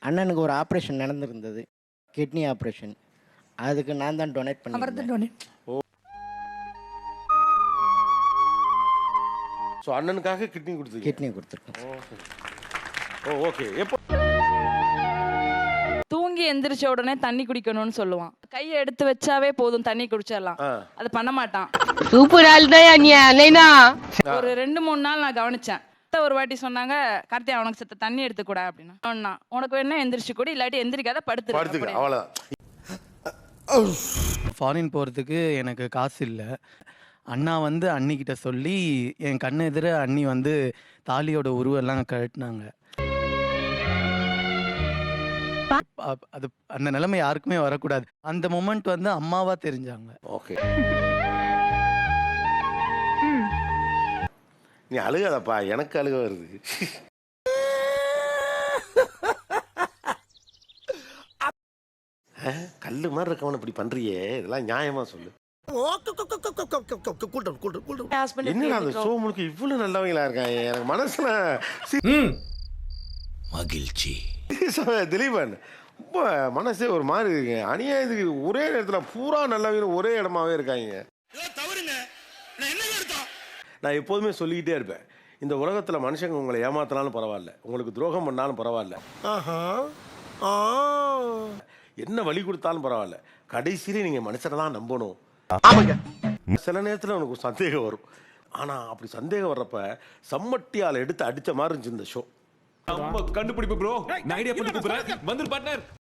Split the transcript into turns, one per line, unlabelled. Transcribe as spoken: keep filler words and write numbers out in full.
அண்ணனுக்கு ஒரு operation நடந்திருந்தது, kidney operation. அதுக்கு நான் தான் டொனேட்
அவர் தான்
பண்ணியிருந்தேன்.
டொனேட்.
ஸோ அண்ணனுக்காக கிட்னி கொடுத்தீங்க.
கிட்னி கொடுத்துருக்கேன்.
Oh okay. எப்போ
தூங்கி எந்திரிச்ச உடனே தண்ணி குடிக்கணும்னு சொல்லுவான். கையை எடுத்து வச்சாவே போதும் தண்ணி குடிச்சிடலாம்.
ஆ.
அது பண்ண மாட்டான்.
சூப்பர் ஆள் தான்.
ஒரு ரெண்டு மூணு நாள் நான் கவனிச்சேன். அத்தை ஒரு வாட்டி சொன்னாங்க, கார்த்தியா உனக்கு செத்த தண்ணி எடுத்துக்கூட அப்படின்னா. சொன்னா, உனக்கு வேணா எந்திரிச்சு கூட, இல்லாட்டி எந்திரிக்காத படுத்து
படுத்துக்க அவ்வளோதான்.
ஃபாரின் போகிறதுக்கு எனக்கு காசு இல்லை. அண்ணா வந்து அண்ணிக்கிட்ட சொல்லி என் கண்ணு எதிர அண்ணி வந்து தாலியோட உருவெல்லாம் கழட்டினாங்க. அப்- அது அந்த நிலைமை யாருக்குமே வரக்கூடாது. அந்த மொமெண்ட் வந்து அம்மாவா தெரிஞ்சாங்க.
ஓகே. நீ அழுகாதப்பா, எனக்கு அழுக வருது. அஹ், கல்லு மாதிரி இருக்கவன இப்படி பண்றியே, இதெல்லாம் நியாயமா சொல்லு. என்னடா அந்த ஷோ முழுக்க இவ்வளவு நல்லவங்களா இருக்காங்க, எனக்கு மனசுல
மகிழ்ச்சி.
திலீபன் ரொம்ப மனசே ஒரு மாதிரி இருக்கு. அநியாயத்துக்கு ஒரே நேரத்துல பூரா நல்லவங்க ஒரே இடமாவே இருக்காங்க. நான் எப்போதுமே சொல்லிக்கிட்டே இருப்பேன், இந்த உலகத்துல மனுஷங்க உங்களை ஏமாத்தினாலும் பரவாயில்ல, உங்களுக்கு துரோகம் பண்ணாலும் பரவாயில்ல, என்ன வழி கொடுத்தாலும் பரவாயில்ல, கடைசியில நீங்க மனுஷனை தான் நம்பணும். சில நேரத்துல உனக்கு சந்தேகம் வரும். ஆனா அப்படி சந்தேகம் வர்றப்ப சம்மட்டியால எடுத்து அடிச்ச மாதிரி இருந்துச்சு இந்த ஷோ.
கண்டுபிடிப்பு ப்ரோ. நான் ஐடியா பண்ணி கூப்பிடுறேன். வந்து பார்ட்னர்.